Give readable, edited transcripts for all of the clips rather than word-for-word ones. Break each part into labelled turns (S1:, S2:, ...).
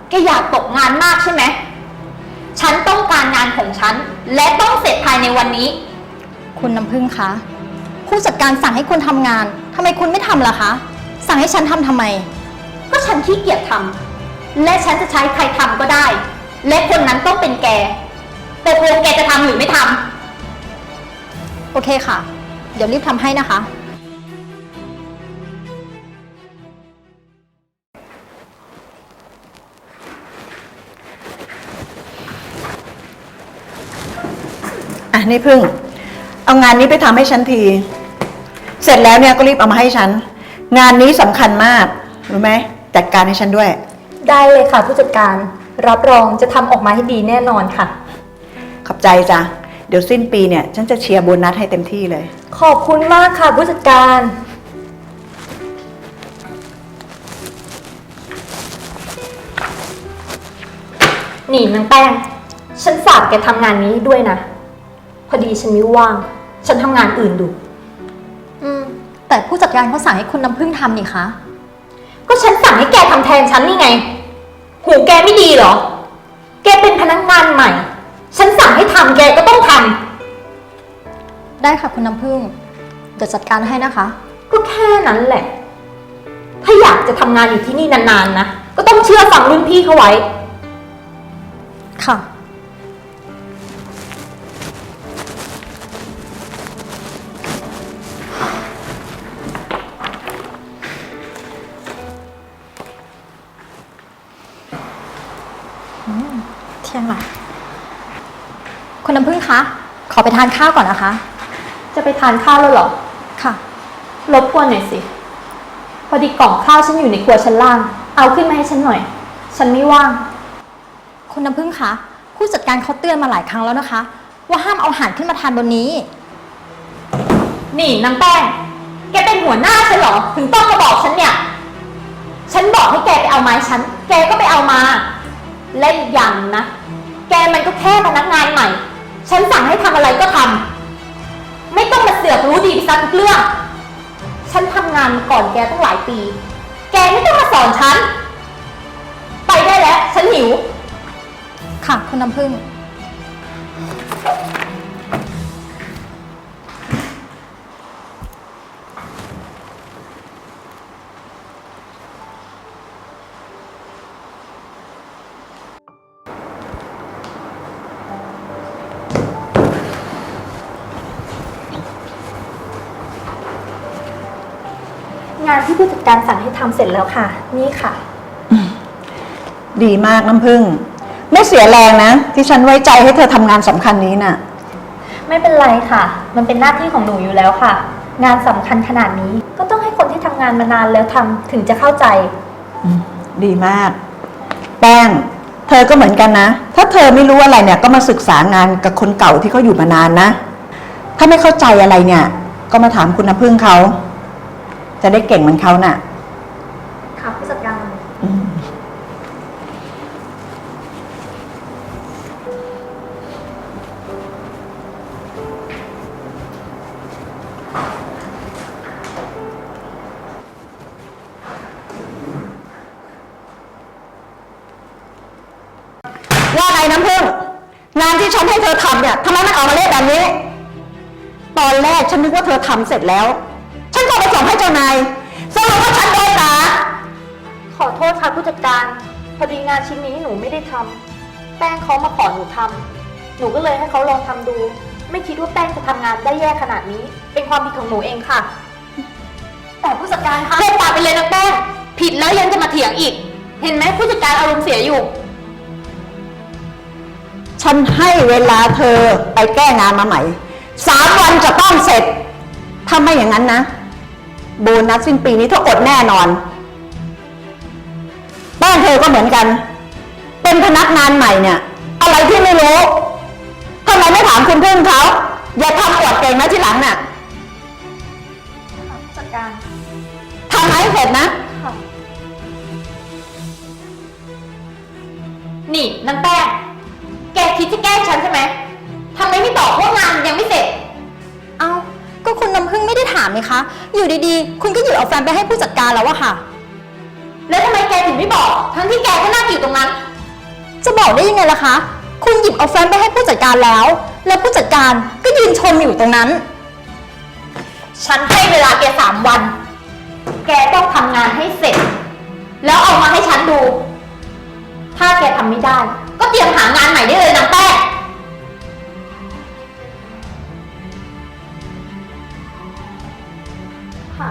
S1: แกอยากตกงานมากใช่ไหมฉันต้องการงานของฉันและต้องเสร็จภายในวันนี้
S2: คุณน้ำพึ่งคะผู้จัดการสั่งให้คุณทำงานทำไมคุณไม่ทำล่ะคะสั่งให้ฉันทำไม
S1: ก็ฉันขี้เกียจทำและฉันจะใช้ใครทำก็ได้และคนนั้นต้องเป็นแกแต่ตัวแกจะทำหรือไม่ท
S2: ำโอเคค่ะเดี๋ยวรีบทำให้นะคะ
S3: นี่พึ่งเอางานนี้ไปทำให้ฉันทีเสร็จแล้วเนี่ยก็รีบเอามาให้ฉันงานนี้สำคัญมากรู้ไหมจัดการให้ฉันด้วย
S4: ได้เลยค่ะผู้จัดการรับรองจะทำออกมาให้ดีแน่นอนค่ะ
S3: ขอบใจจ้ะเดี๋ยวสิ้นปีเนี่ยฉันจะเชียร์โบนัสให้เต็มที่เลย
S4: ขอบคุณมากค่ะผู้จัดการนี่นางแป้งฉันฝากแกทำงานนี้ด้วยนะพอดีฉันไม่ว่างฉันทำงานอื่นดู
S2: แต่ผู้จัดการเขาสั่งให้คุณน้ำพึ่งทำนี่คะ
S1: ก็ฉันสั่งให้แกทำแทนฉันนี่ไงหูแกไม่ดีเหรอแกเป็นพนักงานใหม่ฉันสั่งให้ทำแกก็ต้องท
S2: ำได้ค่ะคุณน้ำพึ่งเดี๋ยวจัดการให้นะคะ
S1: ก็แค่นั้นแหละถ้าอยากจะทำงานอยู่ที่นี่นานๆนะก็ต้องเชื่อฟังรุ่นพี่เขาไว้
S2: ค่ะเที่ยงละคุณน้ำพึ่งคะขอไปทานข้าวก่อนนะคะ
S1: จะไปทานข้าวแล้วเหรอ
S2: ค่ะ
S1: รบกวนหน่อยสิพอดีกล่องข้าวฉันอยู่ในครัวชั้นล่างเอาขึ้นมาให้ฉันหน่อยฉันไม่ว่าง
S2: คุณน้ำพึ่งคะผู้จัดการเขาเตือนมาหลายครั้งแล้วนะคะว่าห้ามเอาอาหารขึ้นมาทานบนนี้
S1: นี่นางแป้งแกเป็นหัวหน้าฉันเหรอถึงต้องมาบอกฉันเนี่ยฉันบอกให้แกไปเอาไม้ฉันแกก็ไปเอามาเล่นอย่างนะแกมันก็แค่พนักงานใหม่ฉันสั่งให้ทำอะไรก็ทำไม่ต้องมาเสือกรู้ดีไปซะทุกเรื่องฉันทำงานมาก่อนแกตั้งหลายปีแกไม่ต้องมาสอนฉันไปได้แล้วฉันหิว
S2: ค่ะคุณน้ำพึ่ง
S4: งานที่ผู้จัดการสั่งให้ทำเสร็จแล้วค่ะนี่ค่ะ
S3: ดีมากน้ำพึ่งไม่เสียแรงนะที่ฉันไว้ใจให้เธอทำงานสำคัญนี้น่ะ
S4: ไม่เป็นไรค่ะมันเป็นหน้าที่ของหนูอยู่แล้วค่ะงานสำคัญขนาดนี้ก็ต้องให้คนที่ทำงานมานานแล้วทำถึงจะเข้าใจ
S3: ดีมากแป้งเธอก็เหมือนกันนะถ้าเธอไม่รู้อะไรเนี่ยก็มาศึกษางานกับคนเก่าที่เขาอยู่มานานนะถ้าไม่เข้าใจอะไรเนี่ยก็มาถามคุณน้ำพึ่งเขาจะได้เก่งเหมือนเขาน่ะ
S4: ค่ะผู้จัดการ
S3: ว่าไงน้ำพึ่งงานที่ฉันให้เธอทำเนี่ยทำไมมันออกมาเละแบบนี้ตอนแรกฉันนึกว่าเธอทำเสร็จแล้วฉันก็ไปส่งให้เจ้านายสรุปว่าฉันโดนด่า
S4: ขอโทษค่ะผู้จัดการพอดีงานชิ้นนี้หนูไม่ได้ทำแป้งเขามาขอหนูทำหนูก็เลยให้เขาลองทำดูไม่คิดว่าแป้งจะทำงานได้แย่ขนาดนี้เป็นความผิดของหนูเองค่ะ
S1: แต่ผู้จัดการคะเลิกปากไปเลยนะแป้งผิดแล้วยังจะมาเถียงอีกเห็นไหมผู้จัดการอารมณ์เสียอยู่
S3: ฉันให้เวลาเธอไปแก้งานมาใหม่3 วันจะต้องเสร็จถ้าไม่อย่างนั้นนะโบนัสสิ้นปีนี้เธออดแน่นอนบ้านเธอก็เหมือนกันเป็นพนักงานใหม่เนี่ยอะไรที่ไม่รู้ทำไมไม่ถามคุณพึ่งเขาอย่าทำอวดเก่งนะทีหลังน่ะ
S4: ผู้จัดการ
S3: ทำให้เสร็จนะ
S1: นี่นางแป้งแกคิดจะแกล้งฉันใช่ไหมทำไมไม่บอกว่างานยังไม่เสร็จ
S2: เอาก็คุณน้ำพึ่งไม่ได้ถามนี่คะอยู่ดีๆคุณก็หยิบเอาแฟ้มไปให้ผู้จัดการแล้วอะค่ะ
S1: แล้วทำไมแกถึงไม่บอก ทั้งที่แกก็นั่งอยู่ตรงนั้น
S2: จะบอกได้ยังไงล่ะคะ คุณหยิบเอาแฟ้มไปให้ผู้จัดการแล้ว แล้วผู้จัดการก็ยืนชมอยู่ตรงนั้น
S1: ฉันให้เวลาแก3 วัน แกต้องทำงานให้เสร็จ แล้วเอามาให้ฉันดู ถ้าแกทำไม่ได้ ก็เตรียมหางานใหม่ได้เลยนางแป้งค่ะ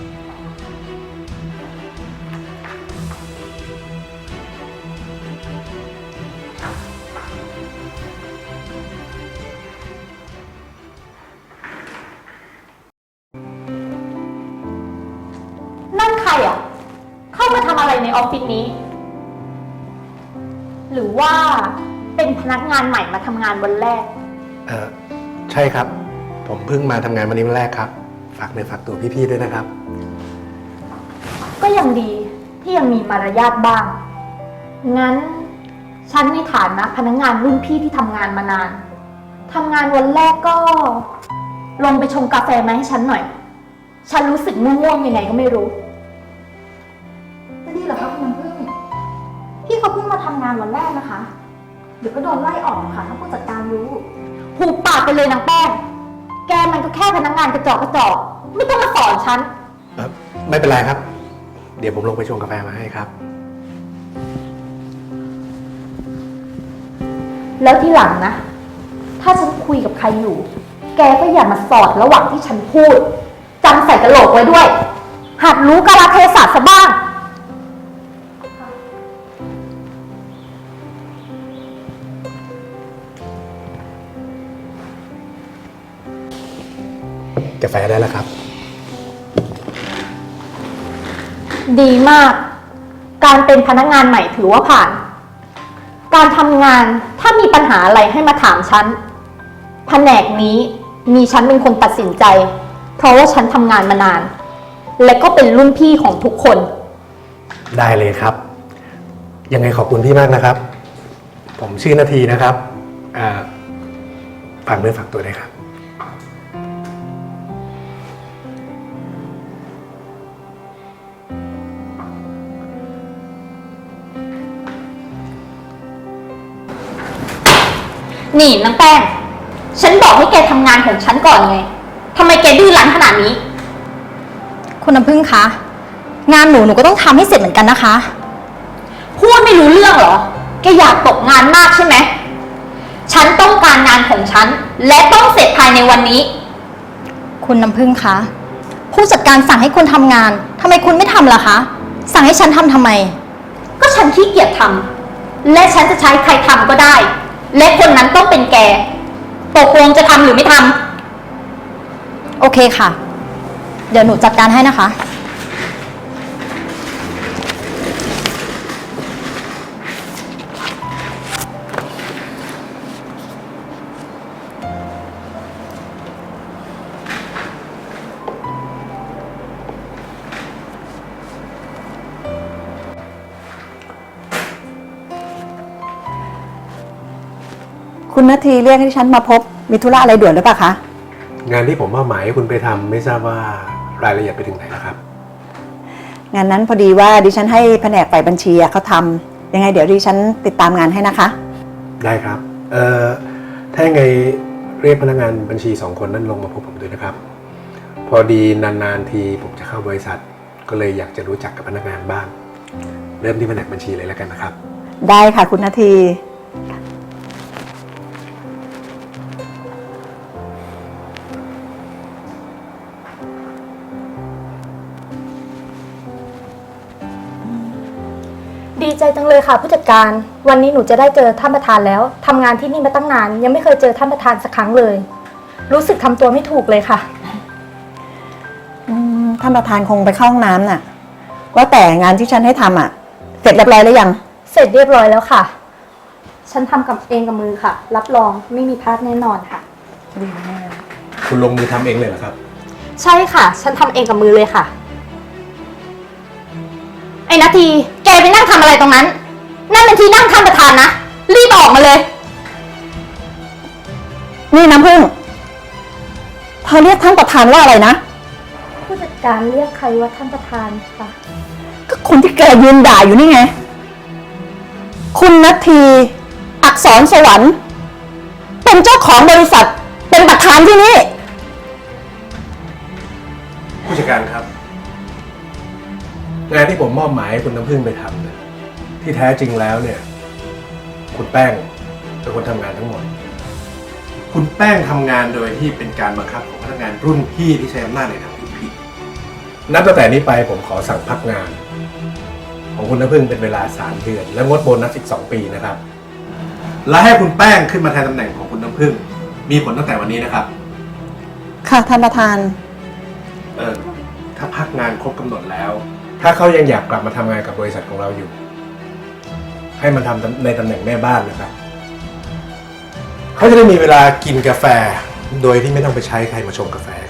S1: นั่นใครอ่ะ เข้ามาทำอะไรในออฟฟิศนี้ หรือว่าเป็นพนักงานใหม่มาทำงานวันแรก
S5: ใช่ครับ ผมเพิ่งมาทำงานวันนี้วันแรกครับ ฝากเนื้อฝากตัวพี่ๆด้วยนะครับ
S1: ก็ยังดีที่ยังมีมารยาทบ้าง งั้นฉันในฐานะพนักงานรุ่นพี่ที่ทำงานมานานทำงานวันแรกก็ ลงไปชงกาแฟมาให้ฉันหน่อย ฉันรู้สึกง่วงๆยังไงก็ไม่รู้
S2: จะดีเหรอคะคุณน้ำพึ่ง พี่เขาเพิ่งมาทำงานวันแรกนะคะ เดี๋ยวก็โดนไล่ออกค่ะถ้าผู้จัดการรู้
S1: หูปากไปเลยนางแป้ง แกมันก็แค่พนักงานกระจอกไม่ต้องมาสอนฉัน
S5: ไม่เป็นไรครับ เดี๋ยวผมลงไปชงกาแฟมาให้ครับ
S1: แล้วที่หลังนะ ถ้าฉันคุยกับใครอยู่ แกก็อย่ามาสอดระหว่างที่ฉันพูดจำใส่กระโหลกไว้ด้วย หัดรู้กาลเทศะซะบ้าง
S5: กาแฟได้แล้วครับ
S1: ดีมาก การเป็นพนักงานใหม่ถือว่าผ่าน การทำงานถ้ามีปัญหาอะไรให้มาถามฉัน แผนกนี้มีฉันเป็นคนตัดสินใจ เพราะว่าฉันทำงานมานาน และก็เป็นรุ่นพี่ของทุกคน
S5: ได้เลยครับ ยังไงขอบคุณพี่มากนะครับ ผมชื่อนาทีนะครับฝากเนื้อฝากตัวด้วยครับ
S1: นี่นางแป้ง ฉันบอกให้แกทำงานของฉันก่อนไงทำไมแกดื้อรั้นขนาดนี้
S2: คุณน้ำพึ่งคะ งานหนูก็ต้องทำให้เสร็จเหมือนกันนะคะ
S1: พูดไม่รู้เรื่องเหรอ แกอยากตกงานมากใช่ไหม ฉันต้องการงานของฉัน และต้องเสร็จภายในวันนี้
S2: คุณน้ำพึ่งคะ ผู้จัดการสั่งให้คุณทำงานทำไมคุณไม่ทำล่ะคะ สั่งให้ฉันทำไม
S1: ก็ฉันขี้เกียจทำ และฉันจะใช้ใครทำก็ได้ และคนนั้นต้องเป็นแก ตกลงจะทำหรือไม่ทำ
S2: โอเคค่ะ เดี๋ยวหนูจัดการให้นะคะ
S3: คุณนาทีเรียกให้ฉันมาพบ มีธุระอะไรด่วนหรือเปล่าคะ
S5: งานที่ผมมอบหมายให้คุณไปทำไม่ทราบว่ารายละเอียดไปถึงไหนแล้วครับ
S3: งานนั้นพอดีว่าดิฉันให้แผนกฝ่ายบัญชีเขาทำยังไงเดี๋ยวดิฉันติดตามงานให้นะคะ
S5: ได้ครับถ้ายังไงเรียกพนักงานบัญชี2 คนนั้นลงมาพบผมด้วยนะครับ พอดีนานๆทีผมจะเข้าบริษัท ก็เลยอยากจะรู้จักกับพนักงานบ้าง เริ่มที่แผนกบัญชีเลยแล้วกันนะครับ
S3: ได้ค่ะคุณนาที
S4: ดีใจจังเลยค่ะผู้จัดการ วันนี้หนูจะได้เจอท่านประธานแล้วทำงานที่นี่มาตั้งนาน ยังไม่เคยเจอท่านประธานสักครั้งเลย รู้สึกทำตัวไม่ถูกเลยค่ะ
S3: ท่านประธานคงไปเข้าห้องน้ำน่ะ ว่าแต่งานที่ฉันให้ทำเสร็จเรียบร้อยแล้วยัง
S4: เสร็จเรียบร้อยแล้วค่ะ ฉันทำกับเองกับมือค่ะ รับรองไม่มีพลาดแน่นอนค่ะ
S5: คุณลงมือทำเองเลยเหรอครับ
S4: ใช่ค่ะ ฉันทำเองกับมือเลยค่ะ
S1: ไอ้นาที แกไปนั่งทำอะไรตรงนั้น นั่นเป็นที่นั่งท่านประธานนะ รีบออกมาเลย
S3: นี่น้ำพึ่งเธอเรียกท่านประธานว่าอะไรนะ
S4: ผู้จัดการเรียกใครว่าท่านประธานค่ะ
S3: ก็คนที่แกยืนด่าอยู่นี่ไง คุณนัทธีอักษรสวรรค์ เป็นเจ้าของบริษัท เป็นประธานที่นี่
S5: ผู้จัดการครับ งานที่ผมมอบหมายให้คุณน้ำพึ่งไปทำเนี่ยที่แท้จริงแล้วเนี่ย คุณแป้งเป็นคนทำงานทั้งหมด คุณแป้งทำงานโดยที่เป็นการบังคับของพนักงานรุ่นพี่ที่ใช้อำนาจในทางผิดๆนับตั้งแต่นี้ไปผมขอสั่งพักงาน ของคุณน้ำพึ่งเป็นเวลา3 เดือน และงดโบนัสอีก2 ปีนะครับ และให้คุณแป้งขึ้นมาแทนตำแหน่งของคุณน้ำพึ่งมีผลตั้งแต่วันนี้นะครับ
S3: ค่ะท่านประธาน
S5: ถ้าพักงานครบกำหนดแล้ว ถ้าเขายังอยากกลับมาทำงานกับบริษัทของเราอยู่ ให้มันทำในตำแหน่งแม่บ้านนะครับ เขาจะได้มีเวลากินกาแฟ โดยที่ไม่ต้องไปใช้ใครมาชงกาแฟ